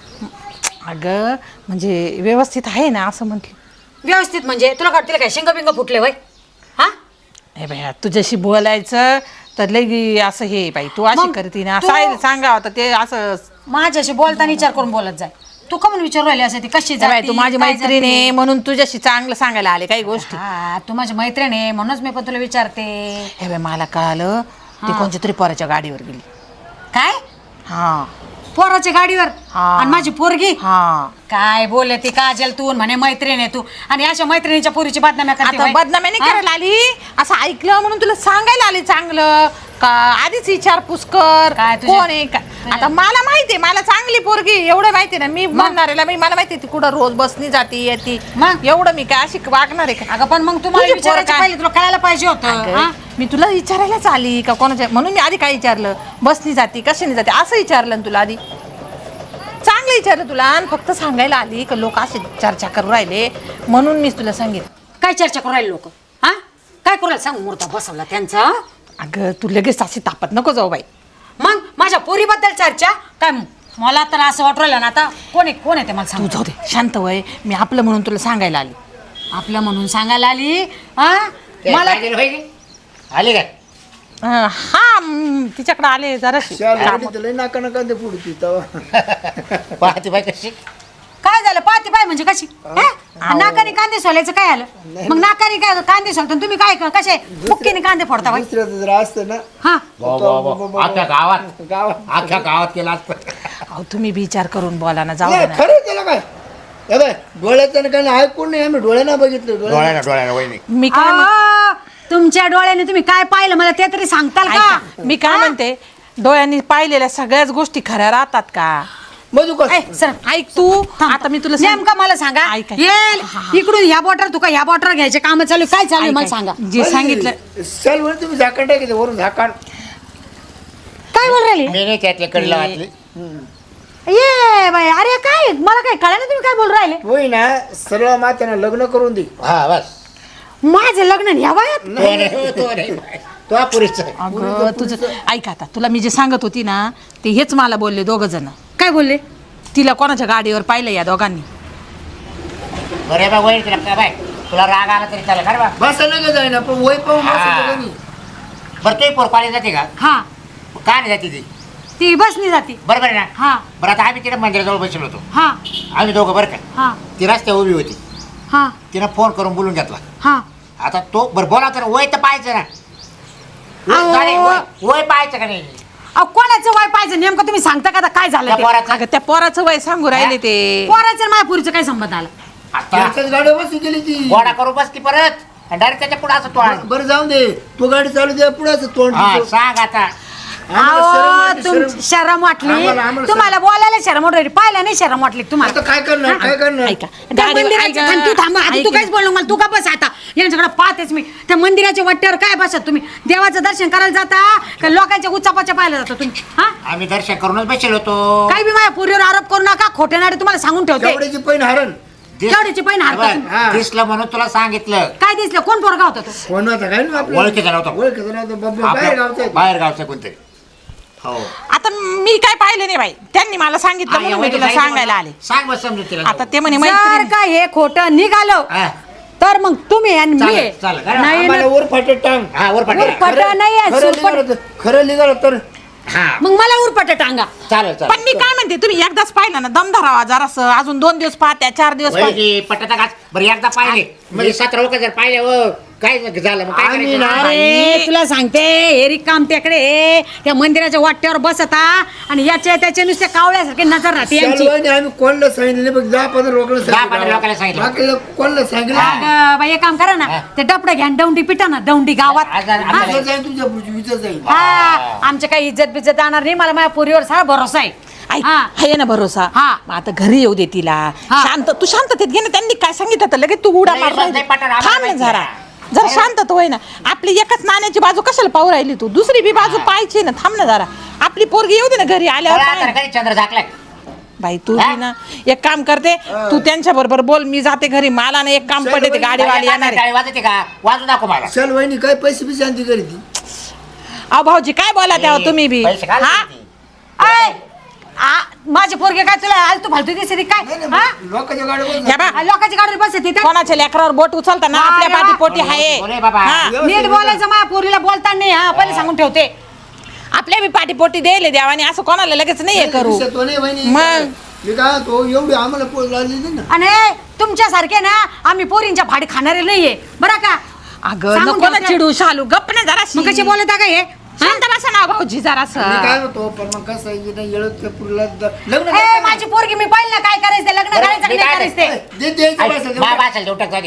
[SPEAKER 3] अगं म्हणजे व्यवस्थित आहे ना असं म्हटलं
[SPEAKER 5] व्यवस्थित म्हणजे तुला वाटतील काय शेंग बिंग फुटले वय हा
[SPEAKER 3] हे बाया तुझ्याशी बोलायचं तर लई असं हे बाई तू अशी
[SPEAKER 5] मग
[SPEAKER 3] करते ना
[SPEAKER 5] तू-
[SPEAKER 3] सांग सांगावं तर ते असं
[SPEAKER 5] माझ्याशी बोलताना विचार करून बोलत जाय तू का म्हणून विचारू राहिली असं ती कशी
[SPEAKER 3] हे बाई
[SPEAKER 5] जाती,
[SPEAKER 3] तू माझी
[SPEAKER 5] काय
[SPEAKER 3] मैत्रीण आहे
[SPEAKER 5] जाती?
[SPEAKER 3] म्हणून तुझ्याशी चांगलं सांगायला आले काही गोष्टी
[SPEAKER 5] हा तू माझी मैत्रीण आहे म्हणूनच मी पण तुला विचारते
[SPEAKER 3] हे बाई मला कळालं ती कोणत्या तरी पोराच्या गाडीवर गेली
[SPEAKER 5] काय
[SPEAKER 3] हा
[SPEAKER 5] पोराच्या गाडीवर
[SPEAKER 3] हा.
[SPEAKER 5] आणि माझी पोरगी
[SPEAKER 3] हा
[SPEAKER 5] काय बोलले ती काजल तू म्हणे मैत्रीण आहे तू आणि अशा मैत्रिणीच्या पोरीची बातम्या करते
[SPEAKER 3] आता
[SPEAKER 5] होय?
[SPEAKER 3] बदनामी नाही
[SPEAKER 5] हा?
[SPEAKER 3] करायला आली असं ऐकलं म्हणून तुला सांगायला आले चांगलं का आधीच विचारपूस कर
[SPEAKER 5] काय तुझ्या-
[SPEAKER 3] कोण आहे का आता मला माहितीये मला चांगली पोरगी एवढं माहितीये ना मी म्हणणारेला मी मला माहिती ती कुठं रोज बसनी जाती येते
[SPEAKER 5] मग?
[SPEAKER 3] एवढं मी काय अशी वागणार आहे का
[SPEAKER 5] अगं पण मग तुम्हाला
[SPEAKER 3] तुझी पोर
[SPEAKER 5] विचारायचं
[SPEAKER 3] काय?
[SPEAKER 5] पहिले तुला कळायला पाहिजे होतं
[SPEAKER 3] अगं,
[SPEAKER 5] हा?
[SPEAKER 3] मी तुला विचारायलाच आली का कोणाच्या म्हणून मी आधी काय विचारलं बसनी जाती कशाने जाते असं विचारलं ना तुला आधी चांगलं विचारलं तुला आणि फक्त सांगायला आली का लोक असे चर्चा करू राहिले म्हणून मी तुला सांगितलं
[SPEAKER 5] काय चर्चा करू राहिले लोक हा काय करू राहिले सांग मुहूर्त बसवला त्यांचा
[SPEAKER 3] अगं तू लगेच अशी तापत नको जाऊ बाई
[SPEAKER 5] मग माझ्या पोरीबद्दल चर्चा काय मला तर असं वाटू राहिलं ना आता कोण आहे कोण आहे ते मला
[SPEAKER 3] तू
[SPEAKER 5] सांग
[SPEAKER 3] जाऊ दे शांत वय मी आपलं म्हणून तुला सांगायला आली
[SPEAKER 5] आपलं म्हणून सांगायला आली हा मला
[SPEAKER 2] आली काय
[SPEAKER 3] अं, हा म, तिच्याकडे आले जराशी
[SPEAKER 1] शाल लई नाका नका ते पुढती तेव्हा
[SPEAKER 2] पाहते बाई कशी
[SPEAKER 5] काय झालं पाहते पाय म्हणजे कशी हे? नाकाने कांदे सोलायचं काय आलं मग नाकाने काय कांदे सोलता तुम्ही काय कसे मुक्कीने कांदे फोडता बाई
[SPEAKER 1] दुसऱ्याचं जर असतं ना
[SPEAKER 5] हा
[SPEAKER 2] वा, वा, वा. अख्ख्या गावात
[SPEAKER 1] गावात
[SPEAKER 2] अख्ख्या गावात केला असतं.
[SPEAKER 3] अहो तुम्ही विचार करून बोला ना जाऊ दे
[SPEAKER 1] नाही,
[SPEAKER 3] ना
[SPEAKER 1] खरं त्याला काय हे बाय डोळ्याचं काही ऐकून नाही आम्ही डोळ्यानं बघितलं डोळ्यानं
[SPEAKER 2] डोळ्यानं डोळ्यानं वहिनी
[SPEAKER 3] मी काय म्हण-
[SPEAKER 5] आ, तुमच्या डोळ्याने तुम्ही काय पाहिलं मला ते तरी सांगताल का
[SPEAKER 3] ऐका, मी काय म्हणते डोळ्यांनी पाहिलेल्या सगळ्याच गोष्टी खऱ्या राहतात का
[SPEAKER 1] मधू
[SPEAKER 5] ए, सर
[SPEAKER 3] ऐक तू आता मी तुला सांग-
[SPEAKER 5] नेमकं मला सांगा
[SPEAKER 3] ऐक, ऐक.
[SPEAKER 5] ये इकडून ह्या बॉटर तुका ह्या बॉटर घ्यायचे काम चालू आहे. काय चालू आहे मला सांगा
[SPEAKER 3] जे सांगितलं
[SPEAKER 1] चल वर तुम्ही झाकण टाकायचं वरून झाकण
[SPEAKER 5] काय बोल राहिले
[SPEAKER 2] मी नाही त्यातले कडीला वाटली
[SPEAKER 5] ये बाई अरे काय मला काय कळलं तुम्ही काय बोल राहिले
[SPEAKER 1] होई ना सरळ मात्यानं लग्न करून दे
[SPEAKER 2] हा बस
[SPEAKER 5] माझं लग्न ह्या वयात
[SPEAKER 2] तो नाही हो, तो नाही तो हा पुरीचा आहे.
[SPEAKER 3] अगं तुझं ऐक आता तुला मी जे सांगत होती ना ते हेच मला बोलले दोघ जण
[SPEAKER 5] काय बोलले
[SPEAKER 3] तिला कोणाच्या गाडीवर पाहिलं या दोघांनी
[SPEAKER 2] बरे बा वहिनी तुला काय बाय तुला राग आला तरी चालेल खरं बा
[SPEAKER 1] बस नका जाय ना पण वय पाहून
[SPEAKER 2] हा.
[SPEAKER 1] बसायचं कधी.
[SPEAKER 2] बरं तू पोर कॉलेज जाते का
[SPEAKER 5] हा
[SPEAKER 2] का नाही जाते ती
[SPEAKER 5] ती बसनी जाती
[SPEAKER 2] बरोबर आहे ना
[SPEAKER 5] हा
[SPEAKER 2] बरं आता आम्ही तिकडे मंदिराजवळ बसलो होतो
[SPEAKER 5] हा
[SPEAKER 2] आम्ही दोघं बरं का
[SPEAKER 5] हा
[SPEAKER 2] ती रस्त्या उभी होती
[SPEAKER 5] हा
[SPEAKER 2] तिनं फोन करून बोलून घेतला
[SPEAKER 5] हा
[SPEAKER 2] आता तो बरं बोला तर वय तर पाहायचं ना
[SPEAKER 5] अहो.
[SPEAKER 2] नाही, वय- वय पाहायचं का नाही
[SPEAKER 5] अहो, कोणाचं वय पाहिजे नेमकं तुम्ही सांगता का आता काय झालं
[SPEAKER 2] त्या
[SPEAKER 5] ते?
[SPEAKER 2] पोराचं
[SPEAKER 3] अगं त्या पोराचं वय सांगू राहिले ते
[SPEAKER 5] पोराचं आणि माझ्यापुरीचं काय संबंध आला
[SPEAKER 2] आता
[SPEAKER 1] त्याच्याच गाडी बसू गेली ती
[SPEAKER 2] गोडा करू बसती परत डायरेक्ट त्याच्या पुढे असं तो
[SPEAKER 1] बरं जाऊन दे तू गाडी चालू दे पुढे तोंड
[SPEAKER 2] हा
[SPEAKER 1] तुझं.
[SPEAKER 2] सांग आता
[SPEAKER 1] आम्हाला शरम
[SPEAKER 5] अहो
[SPEAKER 1] वाटली,
[SPEAKER 5] तुम
[SPEAKER 1] शरम.
[SPEAKER 5] शरम वाटली
[SPEAKER 1] आम्हाला- आम्हाला
[SPEAKER 5] तुम्हाला बोलायला शरम वाटली पाहिलं नाही शरम वाटली तुम्हाला
[SPEAKER 1] आता काय करणार काय करणार
[SPEAKER 3] ऐका
[SPEAKER 5] त्या
[SPEAKER 3] गाडीवर-
[SPEAKER 5] मंदिराच्या
[SPEAKER 3] ऐका.
[SPEAKER 5] थांब, तू थांब आधी तू
[SPEAKER 3] ऐक
[SPEAKER 5] काहीच बोलू नको मला तू का बस आता यांच्याकडे पाहतेच मी त्या मंदिराच्या वाट्यावर काय बसत तुम्ही देवाचं दर्शन करायला जाता का लोकांच्या उच्चापाच्या पाहायला जाता तुम्ही हा
[SPEAKER 2] आम्ही दर्शन करूनच बसेल होतो
[SPEAKER 5] काही बी माझ्या पुरीवर आरोप करू नका खोटे नाडे तुम्हाला सांगून ठेवते
[SPEAKER 1] तेवढ्याची पैन हरण
[SPEAKER 2] दिस-
[SPEAKER 5] केवढ्याची पैन हारता
[SPEAKER 2] बरं,
[SPEAKER 5] तुम्ही?
[SPEAKER 1] हा.
[SPEAKER 2] दिसलं म्हणून तुला सांगितलं
[SPEAKER 5] काय दिसलं कोण पोरगा होता तो
[SPEAKER 1] कोण होता काय ना आपलं
[SPEAKER 2] ओळखीचा नव्हता.
[SPEAKER 1] ओळखीचा नव्हता बाबा बाहेर गावचा आहे.
[SPEAKER 2] बाहेर गावचं कोणतरी हो
[SPEAKER 3] आता मी काय पाहिलं नाही बाई त्यांनी मला सांगितलं
[SPEAKER 2] हा,
[SPEAKER 3] म्हणून
[SPEAKER 2] या
[SPEAKER 3] मी
[SPEAKER 2] वहिनी
[SPEAKER 3] तुला
[SPEAKER 2] सांगितलं
[SPEAKER 3] सांगायला आले
[SPEAKER 2] मला. सांग बस समजून तिला
[SPEAKER 3] आता ते म्हणे
[SPEAKER 5] जर
[SPEAKER 3] मैत्रीण
[SPEAKER 5] का हे खोटं निघालं
[SPEAKER 2] हा.
[SPEAKER 5] तर मग तुम्ही आणि मी
[SPEAKER 2] चालेल, चालेल.
[SPEAKER 5] नाही ना
[SPEAKER 1] आम्हाला वर फाटे टांग
[SPEAKER 2] हा वर पाठव.
[SPEAKER 5] उरफाट नाही आहे,
[SPEAKER 1] खरं
[SPEAKER 5] सुरफाट.
[SPEAKER 1] निघालं तर- खरं निघालं तर
[SPEAKER 2] हा
[SPEAKER 5] मग मला उरपट टांगा
[SPEAKER 2] चालेल
[SPEAKER 3] पण
[SPEAKER 2] चालेल
[SPEAKER 3] मी काय म्हणते तुम्ही एकदाच पाहिलं ना दम धरावा जरासं अजून दोन दिवस पाहत्या चार दिवस पाहत्या.
[SPEAKER 2] वहिनी, पटत का बरं एकदा पाहिले म्हणजे सतरा लोक जर पाहिले हो काय झालं मग काय
[SPEAKER 1] आम्ही
[SPEAKER 2] करायचं?
[SPEAKER 1] ना-
[SPEAKER 5] अरे तुला सांगते हे काम त्याकडे त्या मंदिराच्या वाट्यावर बसता आणि याच्या त्याच्या नुसत्या कावळ्यासारखी नजर राहते यांची.
[SPEAKER 1] शालवाईने आम्ही कोणाला सांगितलं नाही, बघ दहा पंधरा लोकांना
[SPEAKER 2] दहा पंधरा लोकांना सांगितलं.
[SPEAKER 1] बाकीला कोणाला सांगितलं
[SPEAKER 5] अगं बाई, एक काम करा ना ते डपडं घ्या आणि दौंडी पिटा ना दौंडी गावात.
[SPEAKER 2] आज- आज- आज-
[SPEAKER 1] विचार जाईल तुमच्या विचार जाईल
[SPEAKER 5] हा आमच्या काही इज्जत बिज्जत जाणार नाही. मला माझ्या पोरीवर सारा भरोसा आहे.
[SPEAKER 3] ऐक,
[SPEAKER 5] हा.
[SPEAKER 3] आहे ना भरोसा
[SPEAKER 5] हा.
[SPEAKER 3] मग आता घरी येऊ दे तिला
[SPEAKER 5] हा.
[SPEAKER 3] शांत तू शांततेत घे ना. त्यांनी काय सांगितलं तर लगेच तू उडा
[SPEAKER 2] नाही,
[SPEAKER 3] मार
[SPEAKER 2] स्वतः
[SPEAKER 3] राहिली.
[SPEAKER 2] पटकन आम्हाला
[SPEAKER 3] थांब ना
[SPEAKER 2] माहिती
[SPEAKER 3] जरा
[SPEAKER 2] आहे.
[SPEAKER 3] जरा शांतत होय ना. आपली एकच नाण्याची बाजू कशाला पाहू राहिली तू दुसरी बी बाजू पाहायची ना. थांब ना जरा आपली पोरगी येऊ दे ना घरी आल्यावर
[SPEAKER 2] चला,
[SPEAKER 3] पाह.
[SPEAKER 2] तर काही चंद्र झाकलाय
[SPEAKER 3] बाई तू बी ना एक काम करते तू त्यांच्या बरोबर बोल मी जाते घरी. मला ना एक काम पडते ते गाडीवाली येणार आहे.
[SPEAKER 2] गाडी वाजते का वाजू दाखव मला
[SPEAKER 1] शालवाईने काय पैसे बी शांती करी ती
[SPEAKER 3] अहो भाऊजी काय बोला तेव्हा तुम्ही बी
[SPEAKER 2] पैसे घाल
[SPEAKER 3] हा
[SPEAKER 2] किती.
[SPEAKER 5] आय, आ, माझे पोरगे काय तुला आलतू फालतू दिसते ती काय
[SPEAKER 1] नाही,
[SPEAKER 5] हा?
[SPEAKER 1] नाही, लोकांच्या गाडीवर
[SPEAKER 3] घ्या बा
[SPEAKER 5] आ, लोकांची गाडीवर बसते ती
[SPEAKER 3] कोणाच्या लेकरावर बोट उचलता ना
[SPEAKER 5] हा,
[SPEAKER 3] आपल्या
[SPEAKER 5] रे
[SPEAKER 3] पाठी
[SPEAKER 5] वा.
[SPEAKER 3] पोटी आहे
[SPEAKER 2] बोले बाबा.
[SPEAKER 3] हा.
[SPEAKER 5] नीट बोलायचं माझ्या पोरीला बोलता नाही हा पहिले सांगून ठेवते.
[SPEAKER 3] आपल्या बी पाठी पोटी द्यायला देवाने असं कोणाला लगेच नाही हे करू
[SPEAKER 1] तो नाही वहिनी.
[SPEAKER 3] मग?
[SPEAKER 1] मी काय तो एवढी आम्हाला पोच लागली नाही ना
[SPEAKER 5] आणि तुमच्यासारखे ना आम्ही पोरींच्या भाडी खाणारे नाहीये बरं का.
[SPEAKER 3] अगं
[SPEAKER 5] सांगून
[SPEAKER 3] नको ना
[SPEAKER 5] ठेवते.
[SPEAKER 3] चिडू शालू गप्प ना जरा
[SPEAKER 5] मग कशी बोलत का हे
[SPEAKER 3] शांत बसा ना भाऊजी जरा
[SPEAKER 1] मी काय होतो पण मग कसं आहे की नाही येळत त्या पुरीला द- लग्न
[SPEAKER 5] ए,
[SPEAKER 1] करता
[SPEAKER 5] माझी पोरगी मी पाहिलं ना काय करायचं ते, लग्न
[SPEAKER 2] बरं,
[SPEAKER 5] करायचं की
[SPEAKER 2] मी
[SPEAKER 5] नाही
[SPEAKER 2] काय
[SPEAKER 5] करायचं
[SPEAKER 1] नाही.
[SPEAKER 5] ते.
[SPEAKER 1] दे द्यायचं
[SPEAKER 2] ऐक,
[SPEAKER 1] पैसा
[SPEAKER 2] मा-
[SPEAKER 1] देऊ.
[SPEAKER 2] बाचाल देऊ टाक जाऊ दे.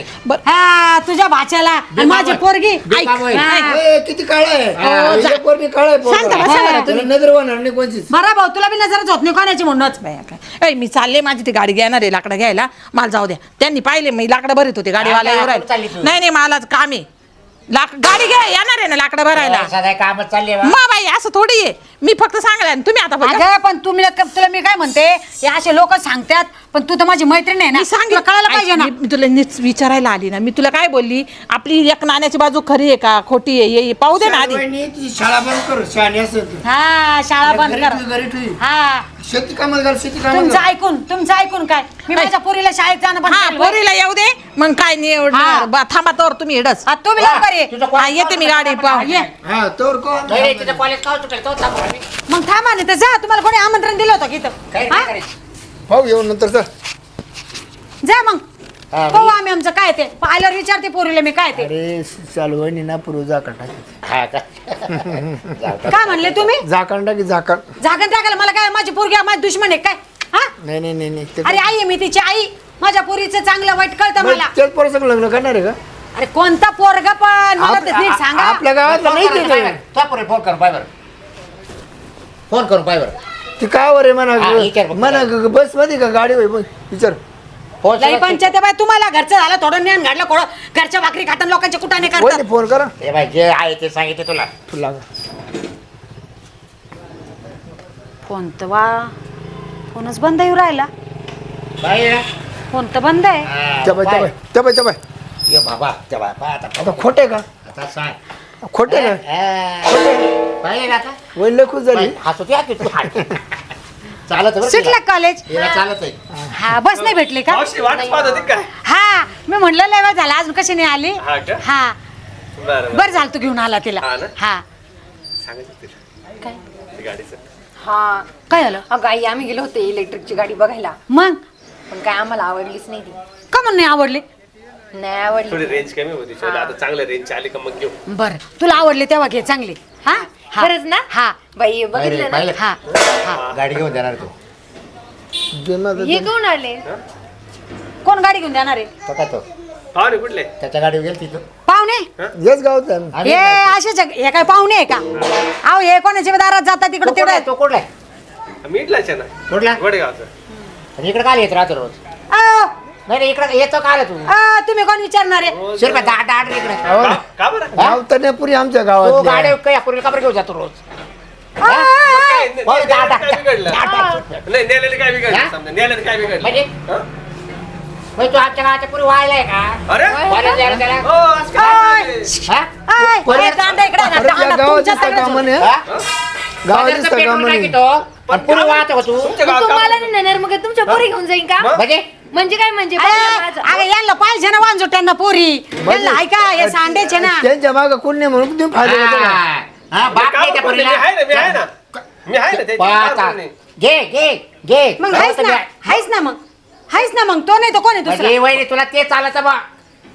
[SPEAKER 5] हा तुझ्या भाच्याला आणि माझी पोरगी
[SPEAKER 2] ऐक, ऐक.
[SPEAKER 3] ऐक.
[SPEAKER 1] ए, किती काळ आहे
[SPEAKER 3] हो, जा.
[SPEAKER 1] एक पोरगी काळ आहे पोरगा.
[SPEAKER 3] शांत बसा बरं
[SPEAKER 1] त्याला नजर वाहणार नाही कोणचीच
[SPEAKER 5] बरा भाऊ तुला बी नजरच होत नाही कोणाची म्हणूनच.
[SPEAKER 3] बाया काय. ए, मी चालले माझी ती गाडी घेणार आहे लाकडं घ्यायला मला जाऊ द्या. त्यांनी पाहिले मी लाकडं भरत होते गाडीवाला
[SPEAKER 2] हा,
[SPEAKER 3] येऊ
[SPEAKER 2] कुठं चालली
[SPEAKER 3] राहिले
[SPEAKER 2] तू?
[SPEAKER 3] नाही नाही मला काम आहे लाक गाडी घ्या येणार आहे ना लाकडं भरायला
[SPEAKER 2] सदा कामच चालले बा.
[SPEAKER 3] मा बाई असं थोडी आहे मी फक्त सांगला तुम्ही आता बघा.
[SPEAKER 5] अगं पण तुम्ही तुला मी काय म्हणते हे असे लोक सांगतात पण तू तर माझी मैत्रीण आहे ना
[SPEAKER 3] मी सांगितलं
[SPEAKER 5] तुला कळायला पाहिजे ना.
[SPEAKER 3] मी मी तुला नीट विचारायला आली ना मी तुला काय बोलली आपली एक नाण्याची बाजू खरी आहे का खोटी आहे हे पाहू दे ना आधी
[SPEAKER 1] शाळवाईने तुझी शाळा बंद कर शहाणी असेल तू.
[SPEAKER 5] हा शाळा बंद
[SPEAKER 1] घरी
[SPEAKER 5] कर.
[SPEAKER 1] ठेव, घरी ठेव.
[SPEAKER 5] हा
[SPEAKER 1] शेती कामाला घाल शेती कामाला
[SPEAKER 5] तुमचं
[SPEAKER 1] घाल.
[SPEAKER 5] ऐकून तुमचं ऐकून काय मी माझ्या पोरीला शाळेत जाणं बंद
[SPEAKER 3] हा
[SPEAKER 5] केलं बाई.
[SPEAKER 3] पोरीला येऊ दे मग काय नाही
[SPEAKER 5] हा.
[SPEAKER 3] एवढं बा, थांबा तर तुम्ही एडच
[SPEAKER 5] हा, तुम्ही लवकर ये.
[SPEAKER 2] तुझं कॉलेज
[SPEAKER 3] हा, येते मी गाडी पाहू
[SPEAKER 5] ये.
[SPEAKER 1] हा तोर कोण
[SPEAKER 2] नाही रे, तिचं कॉलेज का सुटेल तो थांबू आम्ही.
[SPEAKER 5] मग थांबा ना तर जा तुम्हाला कोणी आमंत्रण दिलं होतं की इथं
[SPEAKER 2] काय
[SPEAKER 5] हा?
[SPEAKER 2] काय करायचं?
[SPEAKER 1] भाऊ येऊन नंतर जा
[SPEAKER 5] जा मग
[SPEAKER 2] हा,
[SPEAKER 5] पाहू आम्ही आमचं काय ते पाहिल्यावर विचारते पोरीला मी काय ते
[SPEAKER 1] अरे शालवाईने ना पूर्व झाकण टाकी
[SPEAKER 2] हा का? जाऊ का?
[SPEAKER 5] काय म्हणले तुम्ही
[SPEAKER 1] झाकण टाकी झाकण
[SPEAKER 5] जागन टाकायला मला काय माझी पोरगी माझी दुश्मन आहे काय हा
[SPEAKER 1] नाही नाही नाही नाही ते-
[SPEAKER 5] अरे आई आहे मी तिची आई माझ्या पोरीचं चांगलं वाईट कळतं
[SPEAKER 1] मग
[SPEAKER 5] मला
[SPEAKER 1] त्याच पोरासंग लग्न करणार आहे का
[SPEAKER 5] अरे कोणता पोरगा पण मला ते नीट सांगा
[SPEAKER 1] आपल्या गावातला नाही
[SPEAKER 2] फोन
[SPEAKER 1] ते
[SPEAKER 2] करून पाय बरं. तो पोरी फोन करून पाय बरं फोन करून पाय बरं
[SPEAKER 1] ती का वर आहे
[SPEAKER 2] हा, विचार
[SPEAKER 1] म्हणा
[SPEAKER 2] बघ.
[SPEAKER 1] म्हणा बस मध्ये का गाडी होय विचार
[SPEAKER 2] फोन
[SPEAKER 5] लई
[SPEAKER 2] सुरू-
[SPEAKER 5] पंचायत आहे बाई तुम्हाला घरचं झालं थोडं ज्ञान घडलं कोण घरच्या भाकरी खाताना लोकांच्या कुटाने करतात
[SPEAKER 1] वहिनी फोन करा
[SPEAKER 2] हे बाई जे आहे ते सांगितले तुला
[SPEAKER 1] तू लागा
[SPEAKER 5] फोन तर वा फोनच बंद येऊ राहिला
[SPEAKER 2] बाई ना?
[SPEAKER 5] फोन तर बंद आहे
[SPEAKER 2] हा,
[SPEAKER 1] त्या बाय त्या
[SPEAKER 2] पाय.
[SPEAKER 1] बाय त्या बाय त्या बाय
[SPEAKER 2] ये बाबा त्या बाय पाय आता
[SPEAKER 1] आता खोटे का
[SPEAKER 2] आता सांग
[SPEAKER 1] खोटे ना
[SPEAKER 2] हा. पाहिलं का आता
[SPEAKER 1] वहिनी लय खुश झाली
[SPEAKER 2] बाई, हसू द्या की तू हात. चालत बरं
[SPEAKER 5] सुटलं
[SPEAKER 2] तिला.
[SPEAKER 5] कॉलेज
[SPEAKER 2] तिला चालत आहे
[SPEAKER 5] हा बस नाही भेटली का
[SPEAKER 4] मावशी वाट पाहत होती काय
[SPEAKER 5] हा मी म्हणलं लय वेळ झाला अजून कशी नाही आली
[SPEAKER 4] हा का?
[SPEAKER 5] हा
[SPEAKER 4] बरं बरं
[SPEAKER 5] बर झालं तू घेऊन आला तिला
[SPEAKER 4] हा ना?
[SPEAKER 5] हा
[SPEAKER 4] सांगायचं तिला
[SPEAKER 5] काय
[SPEAKER 4] ते गाडीचं
[SPEAKER 6] हा
[SPEAKER 5] काय झालं
[SPEAKER 6] अगं आई आम्ही गेलो होते इलेक्ट्रिकची गाडी बघायला
[SPEAKER 5] मग
[SPEAKER 6] पण काय आम्हाला आवडलीच नाही ती
[SPEAKER 5] का म्हणून नाही आवडली
[SPEAKER 6] नाही आवडली
[SPEAKER 4] थोडी रेंज कमी होती चला आता चांगलं रेंज आली का मग घेऊ
[SPEAKER 5] बर तुला आवडले तेव्हा घे चांगली हा हा.
[SPEAKER 6] खरंच ना?
[SPEAKER 5] हा
[SPEAKER 6] बाई
[SPEAKER 2] पाहिलं
[SPEAKER 6] बघितलं ना
[SPEAKER 2] पाहिलं?
[SPEAKER 5] हा हा
[SPEAKER 2] गाडी घेऊन देणार तू
[SPEAKER 1] दे ना, दे
[SPEAKER 6] हे
[SPEAKER 1] ना.
[SPEAKER 6] कोण आले
[SPEAKER 5] कोण गाडी घेऊन जाणार आहे
[SPEAKER 2] तो काय तो
[SPEAKER 4] हा रे कुठले
[SPEAKER 2] त्याच्या गाडीवर गेल तिथं
[SPEAKER 5] पाहुणे
[SPEAKER 1] हेच गावात आहे ना.
[SPEAKER 2] आम्ही
[SPEAKER 5] हे
[SPEAKER 2] नाही.
[SPEAKER 5] असेच हे काय पाहुणे आहे का अहो हे कोणाच्या दारात जातात
[SPEAKER 2] तो
[SPEAKER 5] तिकडे
[SPEAKER 2] कुठला आहे?
[SPEAKER 5] तेवढं
[SPEAKER 2] तो कुठला आहे?
[SPEAKER 4] मीटलाच आहे ना
[SPEAKER 2] कुठला
[SPEAKER 4] वडगावचं
[SPEAKER 2] आणि इकडे काय येत राहतो रोज
[SPEAKER 5] अहो,
[SPEAKER 2] नाही नाही इकडे येतो का आला तू
[SPEAKER 5] अहो, तुम्ही कोण विचारणार आहे
[SPEAKER 4] रोज-
[SPEAKER 2] शिरपा दहा दहा आठ इकडे
[SPEAKER 1] अहो,
[SPEAKER 4] का- का बरं
[SPEAKER 1] गाव तर नाही पुरी आमच्या
[SPEAKER 2] तो
[SPEAKER 1] गावात
[SPEAKER 2] गाडी काय पूर्वी काबर घेऊन जातो रोज
[SPEAKER 4] काय- ने-
[SPEAKER 2] बरं,
[SPEAKER 4] नेल्यानं
[SPEAKER 2] दहा-
[SPEAKER 4] काय बिघडलं
[SPEAKER 2] दहा- दहा-
[SPEAKER 4] नाही नेलेलं काय
[SPEAKER 2] हा?
[SPEAKER 4] बिघडलं समजा नेलेलं काय बिघडलं
[SPEAKER 2] म्हणजे?
[SPEAKER 4] हा?
[SPEAKER 2] म्हणजे तू आमच्या गावाच्या पुरी व्हायलाय का
[SPEAKER 4] अरे
[SPEAKER 2] कॉलेज जायला त्याला
[SPEAKER 4] हो, असं काय बोलते?
[SPEAKER 2] हा?
[SPEAKER 5] आय,
[SPEAKER 2] परत-
[SPEAKER 5] हे दांडा इकडे ना,
[SPEAKER 1] परत या
[SPEAKER 5] दांडा
[SPEAKER 1] गावात
[SPEAKER 5] तुमच्या
[SPEAKER 1] दिसता
[SPEAKER 5] सगळ्याचं.
[SPEAKER 1] कामा नाही
[SPEAKER 2] हा?
[SPEAKER 1] गावात
[SPEAKER 2] बाजारचं
[SPEAKER 1] दिसता
[SPEAKER 2] पेट्रोल
[SPEAKER 1] कामा नाही
[SPEAKER 2] टाकीतो आणि पुरी वाहत हो तू
[SPEAKER 4] तुमच्या
[SPEAKER 6] मग
[SPEAKER 4] गावात
[SPEAKER 6] तुम्हाला
[SPEAKER 4] काम-
[SPEAKER 6] नाही नेणार मग तुमच्या पोरी घेऊन जाईन का
[SPEAKER 4] मग?
[SPEAKER 2] म्हणजे
[SPEAKER 6] म्हणजे काय म्हणजे
[SPEAKER 5] अरे,
[SPEAKER 6] बघा माझं.
[SPEAKER 5] अगं यांना पाहिजे ना वांजो त्यांना पोरी यांना ऐका हे सांडेचे ना
[SPEAKER 1] त्यांच्या मागं कोण नाही म्हणून तुम्ही फायदा घेता का?
[SPEAKER 2] हा. हा, बाप
[SPEAKER 4] काम
[SPEAKER 2] नाही त्या
[SPEAKER 4] करते,
[SPEAKER 2] पोरीला.
[SPEAKER 4] मी आहे ना मी आहे ना मी आहे ना त्याची काय
[SPEAKER 2] पाहता.
[SPEAKER 4] अडचण नाही.
[SPEAKER 2] घे घे घे
[SPEAKER 5] मग हायच ना हायच ना मग हायच ना मग तो नाही तो कोण आहे दुसरा
[SPEAKER 2] म्हणजे वहिनी तुला ते चालायचं बा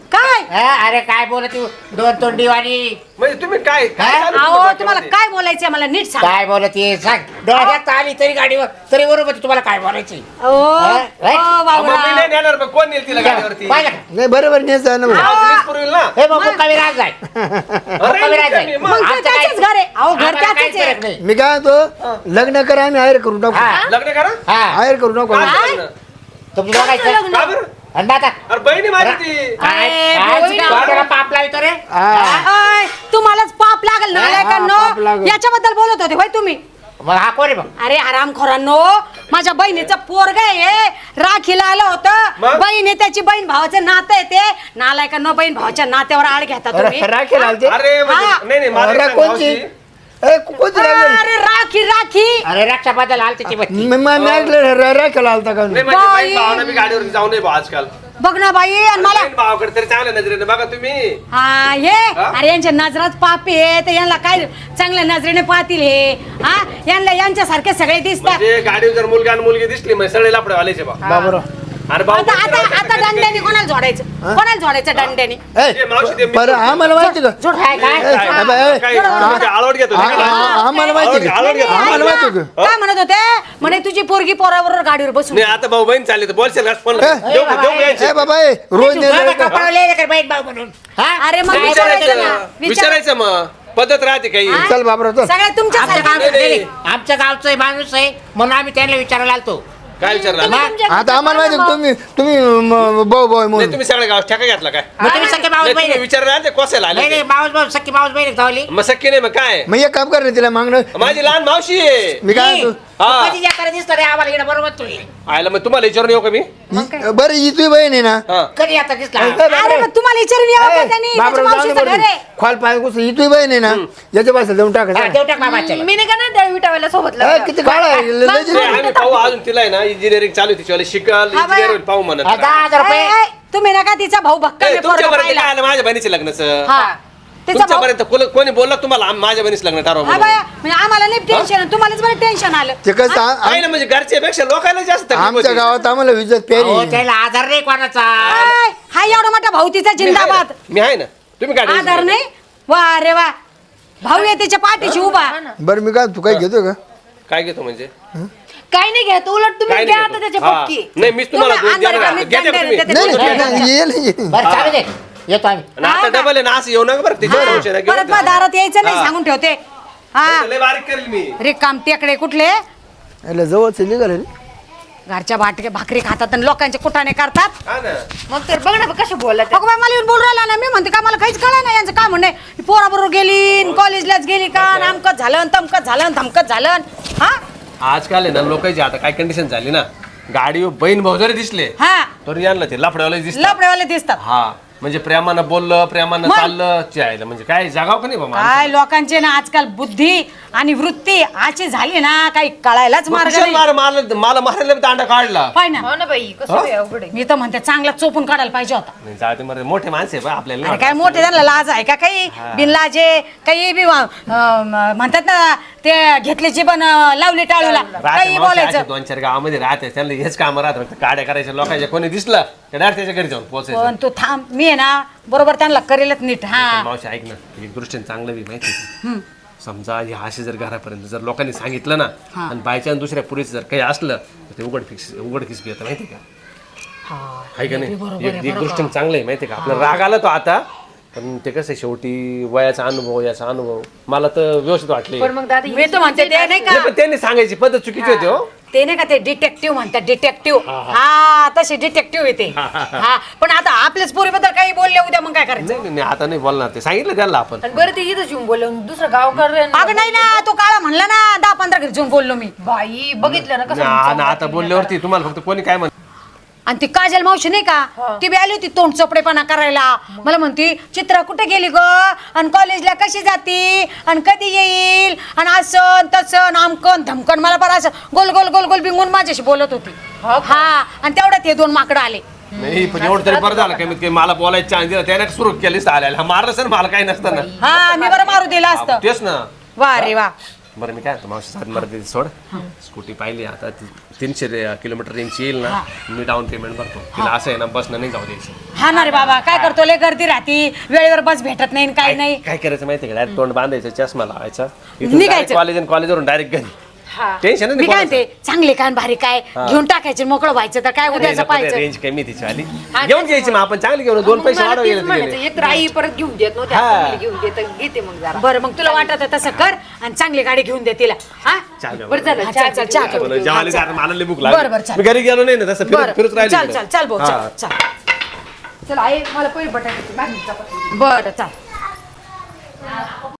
[SPEAKER 5] काय
[SPEAKER 2] हा, अरे काय बोलत तू दोन तोंडीवाणी
[SPEAKER 4] म्हणजे तुम्ही काय काय
[SPEAKER 2] हा?
[SPEAKER 4] चालू
[SPEAKER 5] अहो
[SPEAKER 4] तुमच्या
[SPEAKER 5] तुम्हाला
[SPEAKER 4] डोक्यामध्ये?
[SPEAKER 5] काय बोलायचंय मला नीट सांग
[SPEAKER 2] काय बोलत ये सांग डोळ्यात आली तरी गाडीवर तरी बरोबर तुम्हाला काय बोलायची
[SPEAKER 5] ओ
[SPEAKER 2] हा?
[SPEAKER 5] ओ,
[SPEAKER 4] अहो, मग मी
[SPEAKER 5] बाबूराव.
[SPEAKER 4] नाही नेणार पण कोण नेल तिला गाडीवरती
[SPEAKER 2] पाहिलं का?
[SPEAKER 1] नाही बरोबर न्यायचं ना मग.
[SPEAKER 4] गावातलीच पुरवेल ना
[SPEAKER 2] हे मग मुक्कामी राहत जाय
[SPEAKER 4] अरे,
[SPEAKER 2] मुक्कामी राहत जाय
[SPEAKER 4] मुक्कामी, मग.
[SPEAKER 5] मग
[SPEAKER 2] आमचं
[SPEAKER 5] त्याचंच
[SPEAKER 2] काय-
[SPEAKER 5] घर आहे. अहो, घर
[SPEAKER 2] आम्हाला
[SPEAKER 5] त्याचंच
[SPEAKER 2] काहीच
[SPEAKER 5] आहे.
[SPEAKER 2] फरक नाही.
[SPEAKER 1] मी काय म्हणतो लग्न करा आम्ही हायर करून टाकू
[SPEAKER 2] हा.
[SPEAKER 4] लग्न करा
[SPEAKER 2] हा
[SPEAKER 1] हायर करू टाकू
[SPEAKER 4] का
[SPEAKER 1] आम्ही.
[SPEAKER 4] लग्न?
[SPEAKER 2] तुमचं बघायचं
[SPEAKER 4] का बरं?
[SPEAKER 2] आणि मग आता
[SPEAKER 4] अरे बहिणी माझी ती
[SPEAKER 2] काय
[SPEAKER 5] अरे,
[SPEAKER 2] काय
[SPEAKER 5] बहिणी-
[SPEAKER 2] डोक्याला पाप लावतो रे
[SPEAKER 1] हा.
[SPEAKER 5] अय, तुम्हालाच पाप लागल
[SPEAKER 1] हा,
[SPEAKER 5] नालायकांनो
[SPEAKER 1] पाप लागल.
[SPEAKER 5] याच्याबद्दल बोलत होते होय तुम्ही
[SPEAKER 2] मग हा कोण आहे मग
[SPEAKER 5] अरे हरामखोरांनो माझ्या बहिणीचं पोरग आहे राखीला आलं होतं
[SPEAKER 4] मग?
[SPEAKER 5] बहीण आहे त्याची बहीण भावाचं नातं आहे ते नालायकांनो बहीण भावाच्या नात्यावर आळ घेता तुम्ही
[SPEAKER 1] अरे, राखेल आलते
[SPEAKER 4] अरे म्हणजे-
[SPEAKER 5] हा.
[SPEAKER 4] नाही नाही मला
[SPEAKER 1] अरे,
[SPEAKER 4] एक सांग,
[SPEAKER 1] कोणची
[SPEAKER 4] मावशी.
[SPEAKER 1] ए, कोणती राखेल
[SPEAKER 5] अरे राखी राखी
[SPEAKER 2] अरे रक्षाबद्दल आलती ती बत्ती
[SPEAKER 1] मी मी- मी ऐकलं रा- राखेल आलता का
[SPEAKER 4] नाही म्हणजे
[SPEAKER 5] बाई.
[SPEAKER 4] बहीण भावानं मी गाडीवरती जाऊ नये बा आजकाल
[SPEAKER 5] बघ ना बाई आणि मला
[SPEAKER 4] बहीण भावाकडे तरी चांगल्या नजरेने बघा तुम्ही
[SPEAKER 5] हा हे
[SPEAKER 4] हा?
[SPEAKER 5] अरे यांच्या नजरात पापी आहे तर यांना काय चांगल्या नजरेने पाहतील हे हा यांना यांच्यासारखे सगळे दिसतात
[SPEAKER 4] म्हणजे गाडीवर जर मुलगा आणि मुलगी दिसली म्हणजे सगळे लापडे वालायचे बा
[SPEAKER 1] बाबूराव
[SPEAKER 4] अरे भाऊ
[SPEAKER 5] आता आता आता दंड्याने कोणाला जोडायचं कोणाला जोडायचं दंड्याने
[SPEAKER 4] ए, मावशी ते
[SPEAKER 1] ए, बरं आम्हाला माहिती का
[SPEAKER 5] जोड
[SPEAKER 2] काय काय
[SPEAKER 1] ए,
[SPEAKER 4] काय-
[SPEAKER 1] अबे, ए,
[SPEAKER 4] काय- तुम्ही ते आळवट घेतो
[SPEAKER 1] आ-
[SPEAKER 4] नाही का?
[SPEAKER 1] आ- आम्हाला माहिती का
[SPEAKER 4] आळवट घेतो.
[SPEAKER 1] आम्हाला माहिती का
[SPEAKER 5] काय म्हणत होते म्हणे तुझी पोरगी पोराबरोबर गाडीवर बसून
[SPEAKER 4] नाही आता भाऊ बहीण चालली तर बोलशील का फोन
[SPEAKER 1] ए,
[SPEAKER 4] देऊ का- देऊ का यांचे?
[SPEAKER 1] ए बाबा ए, रोज नेलं का?
[SPEAKER 2] कपडा बहीण भाऊ म्हणून हा?
[SPEAKER 5] अरे मग
[SPEAKER 2] काय
[SPEAKER 5] विचारायचं
[SPEAKER 2] बोलायचं?
[SPEAKER 5] ना
[SPEAKER 4] विचारायचं
[SPEAKER 5] विचार
[SPEAKER 4] विचारायचं मग पद्धत राहते काही
[SPEAKER 1] चल बाबरा चल
[SPEAKER 5] सगळ्या तुमच्या
[SPEAKER 2] आमच्या
[SPEAKER 5] सारख्या-
[SPEAKER 2] गावचं
[SPEAKER 4] नाही,
[SPEAKER 2] नाही, नाही. आमच्या गावचं आहे, माणूस आहे म्हणून आम्ही त्यांना विचारायला आलतो
[SPEAKER 4] काय विचारलं
[SPEAKER 6] तुम्ही
[SPEAKER 4] नाही
[SPEAKER 6] तुमच्या
[SPEAKER 1] आता आम्हाला माहिती का
[SPEAKER 6] मग.
[SPEAKER 1] तुम्ही तुम्ही म, भाऊ भाऊ म्हणून
[SPEAKER 4] तुम्ही सगळ्या गावात ठेका घेतला काय
[SPEAKER 2] मग तुम्ही सख्खे मावस
[SPEAKER 4] नाही,
[SPEAKER 2] बहीण
[SPEAKER 4] तुम्ही
[SPEAKER 2] आहे.
[SPEAKER 4] विचारलं ना ते कोसायला आले
[SPEAKER 2] नाही नाही
[SPEAKER 4] ते.
[SPEAKER 2] मावस भाऊ सख्खी मावस बहीण धावली
[SPEAKER 4] मग सख्खी नाही मग काय
[SPEAKER 1] मग एक काम कर ना तिला मागणं
[SPEAKER 4] माझी लहान मावशी आहे
[SPEAKER 1] मी काय म्हणतो,
[SPEAKER 4] हा.
[SPEAKER 2] कधी जाताना दिसतो रे आम्हाला इकडे बरोबर तुम्ही
[SPEAKER 4] आयला मग तुम्हाला विचारून येऊ का मी
[SPEAKER 1] ही- बरं ही तुझी बहीण आहे ना
[SPEAKER 4] हा
[SPEAKER 2] कधी आता दिसला
[SPEAKER 5] अरे मग तुम्हाला विचारून यावं का त्यांनी त्याच्या
[SPEAKER 1] बाबरा
[SPEAKER 5] मावशीचं घर आहे.
[SPEAKER 1] खोल पाय घुसून ही तुझी बहीण आहे ना याच्या पासून देऊन
[SPEAKER 2] हा,
[SPEAKER 1] टाकायचं
[SPEAKER 2] देव टाक बाबाच्या
[SPEAKER 6] मी नाही का ना त्या विटावायला सोबत
[SPEAKER 1] ए,
[SPEAKER 6] लग्न.
[SPEAKER 1] किती काळ आहे ल- लय
[SPEAKER 6] मग-
[SPEAKER 1] जिरं.
[SPEAKER 4] नाही, आम्ही पाहू अजून तिला आहे ना इंजिनिअरिंग चालू आहे तिच्यावाले शिकाल
[SPEAKER 5] हा,
[SPEAKER 4] इंजिनियर
[SPEAKER 5] बाया.
[SPEAKER 4] होईल पाहू म्हणत
[SPEAKER 2] हा, दहा हजार
[SPEAKER 5] ए,
[SPEAKER 2] रुपये
[SPEAKER 5] ए, तुम्ही नका तिचा भाऊ भक्कम आहे पोरगा
[SPEAKER 4] तुमच्यापर्यंत
[SPEAKER 5] पाहिला.
[SPEAKER 4] काय आलं माझ्या बहिणीच्या लग्नाचं
[SPEAKER 5] हा तिचा भाऊ
[SPEAKER 4] तुमच्यापर्यंत कोण- कोणी बोलला तुम्हाला आम- माझ्या बहिणीचं लग्न ठरवा
[SPEAKER 5] हा
[SPEAKER 4] म्हणून?
[SPEAKER 5] बाया म्हणजे आम्हाला नाही टेन्शन तुम्हालाच बरं टेन्शन आलं
[SPEAKER 1] ते कसं आ-
[SPEAKER 4] काय ना म्हणजे घरच्यापेक्षा लोकांना जास्त तकलीफ
[SPEAKER 1] आमच्या
[SPEAKER 4] होती.
[SPEAKER 1] गावात आम्हाला विजत पेरी
[SPEAKER 2] अहो, त्याला आधार नाही कोणाचा
[SPEAKER 5] आय, हा एवढा मोठा भाऊ तिचा
[SPEAKER 4] मी आहे
[SPEAKER 5] जिंदाबाद
[SPEAKER 4] ना, मी आहे ना तुम्ही काय tension
[SPEAKER 5] आधार
[SPEAKER 4] नका.
[SPEAKER 5] नाही वा रे वा भाऊ आहे त्याच्या पाठीशी उभा
[SPEAKER 1] बरं मी काय तू काय घेतो का
[SPEAKER 4] काय घेतो म्हणजे
[SPEAKER 6] काही नाही घ्या उलट तुम्ही
[SPEAKER 4] काय
[SPEAKER 6] घ्या
[SPEAKER 4] नाही
[SPEAKER 6] आता
[SPEAKER 4] घेतो.
[SPEAKER 6] त्याच्या
[SPEAKER 4] हा.
[SPEAKER 6] पक्की
[SPEAKER 4] नाही मीच तुम्हाला
[SPEAKER 5] तुम्ही
[SPEAKER 4] दोन
[SPEAKER 5] अंधार
[SPEAKER 4] देणार.
[SPEAKER 5] कमीत
[SPEAKER 4] घ्या त्या
[SPEAKER 5] दंड
[SPEAKER 4] तुम्ही.
[SPEAKER 5] देते.
[SPEAKER 1] नाही
[SPEAKER 5] बोलू
[SPEAKER 1] नाही,
[SPEAKER 5] द्या.
[SPEAKER 1] नाही ये नाही
[SPEAKER 2] बरं चालू दे येतो आम्ही
[SPEAKER 4] आणि आता डबल आहे ना असं येऊ नका बरं तिच्या संशय नका घेऊ
[SPEAKER 5] परत
[SPEAKER 4] नका.
[SPEAKER 5] मग दारात यायचं नाही
[SPEAKER 4] हा.
[SPEAKER 5] सांगून ठेवते हा
[SPEAKER 4] लय बारीक करेल मी
[SPEAKER 5] रिकाम टेकडे कुठले
[SPEAKER 1] याला जवळच निघाल
[SPEAKER 5] घरच्या भाटके भाकरी खातात आणि लोकांचे कुटाणे करतात
[SPEAKER 4] हा ना
[SPEAKER 6] मग तर बघ ना कसे बोलत
[SPEAKER 5] अगं बाई, मला येऊन बोलू राहिला ना मी म्हणते का मला काहीच कळलं नाही यांचं काय म्हणणे पोराबरोबर गेली कॉलेजलाच गेली का अमकत झालं तमकत झालं धमकत झालं हा
[SPEAKER 4] आजकाल आहे ना लोकांची आता काय कंडिशन झाली ना गाडीवर बहीण भाऊ जरी दिसले
[SPEAKER 5] हा
[SPEAKER 4] तरी यांना ते लफड्यावाले दिसतात
[SPEAKER 5] लपडेवाले दिसतात
[SPEAKER 4] हा म्हणजे प्रेमानं बोललं प्रेमानं
[SPEAKER 5] मग?
[SPEAKER 4] चाललं चायलं म्हणजे काय जागाव का नाही बाबा
[SPEAKER 5] काय लोकांचे ना आजकाल बुद्धी आणि वृत्ती अशी झाली ना काही कळायलाच
[SPEAKER 4] मग
[SPEAKER 5] मार्ग
[SPEAKER 4] कुशाल
[SPEAKER 5] नाही
[SPEAKER 4] मार मला मला मारायला बी दांडा काढला
[SPEAKER 5] पाय ना
[SPEAKER 6] हो ना बाई कसं बी अवघड आहे.
[SPEAKER 5] मी तर म्हणते चांगला चोपून काढायला पाहिजे होता
[SPEAKER 4] नाही जाते मरे मोठे माणसे आहे बा आपल्याला
[SPEAKER 5] अरे
[SPEAKER 4] नाही
[SPEAKER 5] काय मोठे त्यांना लाज आहे का काही बिनलाजे काही बी अं, म- म्हणतात ना ते घेतली जीवन अं, लावली टाळूला
[SPEAKER 4] राहते
[SPEAKER 5] काही
[SPEAKER 4] मावशी
[SPEAKER 5] बोलायचं
[SPEAKER 4] असे दोन चार गावामध्ये राहते त्यांना हेच काम राहतं फक्त गाड्या करायच्या लोकांच्या कोणी दिसलं तर डायरेक्ट त्याच्या घरी जाऊन पोहोचायचं
[SPEAKER 5] पण तू थांब मी आहे ना बरोबर त्यांना करेलच नीट हा
[SPEAKER 4] पण मावशी ऐक ना एक दृष्टीने चांगलं बी माहिती आहे का? समजा हे असे जर घरापर्यंत जर लोकांनी सांगितलं ना आणि बायच्या दुसऱ्या पुरीचं जर काही असलं तर ते उघड फिक्स उघडकीस बी येतं माहिती आहे का आहे का नाही एक एक दृष्टीने चांगलं आहे माहिती आहे का आपला राग आला तो आता पण ते कसं आहे, शेवटी वयाचा अनुभव याचा अनुभव मला तर व्यवस्थित वाटले
[SPEAKER 6] पण मग दादा
[SPEAKER 5] मी तर म्हणते ते नाही का
[SPEAKER 4] नाही, पण त्यांनी सांगायची पद्धत चुकीची होती हो
[SPEAKER 5] ते नाही का ते डिटेक्टिव्ह म्हणतात डिटेक्टिव्ह हा तसे डिटेक्टिव्ह येते हा पण आता आपल्याच पोरीबद्दल काही बोलले उद्या मग काय करायचं
[SPEAKER 4] नाही नाही, नाही आता नाही बोलणार ते सांगितलं त्याला आपण
[SPEAKER 6] आणि बरं ते इथं येऊन बोलवून दुसरं गाव कर
[SPEAKER 5] अगं नाही ना तो काळा म्हणला ना दहा पंधरा घरी जाऊन बोललो मी
[SPEAKER 6] बाई बघितलं ना कसं
[SPEAKER 4] ना ना, आता बोलल्यावरती तुम्हाला फक्त कोणी काय म्हण
[SPEAKER 5] आणि ती काजल मावशी नाही का ती बी आली होती तोंड चपडेपणा करायला मला म्हणती चित्रा कुठे गेली ग आणि कॉलेजला कशी जाती आणि कधी येईल आणि असं तसं आमकन धमकन मला बरं असं गोल गोल गोल गोल बिंगून माझ्याशी बोलत होती हा आणि तेवढ्यात हे दोन माकडं आले
[SPEAKER 4] नाही पण एवढं तरी बरं झालं कमीत कमी मला बोलायचं चान्स दिला त्याने सुरू केलीच आल्याला हा मारलं सर मला काही नसतं ना
[SPEAKER 5] हा मी बरं मारू दिलं असतं
[SPEAKER 4] तेच ना
[SPEAKER 5] वा रे वा
[SPEAKER 4] बरं मी काय म्हणतो मावशी सात मर्यादित सोड स्कूटी पाहिली आता ती तीनशे रे- किलोमीटर रेंज येईल ना मी डाऊन पेमेंट भरतो तिला असं आहे ना बसनं नाही जाऊ द्यायचं.
[SPEAKER 5] हा ना रे बाबा काय करतो लय गर्दी राहती वेळेवर बस भेटत नाही काय नाही
[SPEAKER 4] काय करायचं माहिती आहे का डायरेक्ट तोंड बांधायचं चष्मा लावायचा
[SPEAKER 5] निघायचं.
[SPEAKER 4] कॉलेज आणि कॉलेजवरून डायरेक्ट घरी टेन्शन
[SPEAKER 5] मी
[SPEAKER 4] नाही
[SPEAKER 5] काय म्हणते चांगले काय आणि भारी काय घेऊन टाकायचे मोकळं व्हायचं तर काय उद्याचं पाहायचं
[SPEAKER 4] रेंज कमी तिची आली घेऊन घ्यायची मग आपण चांगली घेऊन दोन पैसे वाढव गेले तिकडे.
[SPEAKER 6] एक तर आई परत घेऊन देत नव्हते
[SPEAKER 4] हा.
[SPEAKER 6] आता मला घेऊन देत घेते मग जरा
[SPEAKER 5] बरं मग तुला वाटत आहे तसं कर आणि चांगली गाडी घेऊन दे तिला हा
[SPEAKER 4] चालेल.
[SPEAKER 6] बरं झालं
[SPEAKER 5] हा,
[SPEAKER 6] चहा
[SPEAKER 5] चल, चल, चहा
[SPEAKER 6] घेऊन
[SPEAKER 5] करू.
[SPEAKER 6] देऊ.
[SPEAKER 4] जेवायला जा, मला लई भूक
[SPEAKER 5] बरं, बरं,
[SPEAKER 4] लागली
[SPEAKER 5] चालेल.
[SPEAKER 4] मी घरी गेलो नाही ना तसं फिरत
[SPEAKER 5] बरं
[SPEAKER 4] फिरत राहिली
[SPEAKER 5] चल
[SPEAKER 4] इकडे.
[SPEAKER 5] चल चल भाऊ
[SPEAKER 4] हा.
[SPEAKER 5] चल चल
[SPEAKER 6] चल आई मला पहिले बटाट्याची भाजी चपाती.
[SPEAKER 5] बरं चल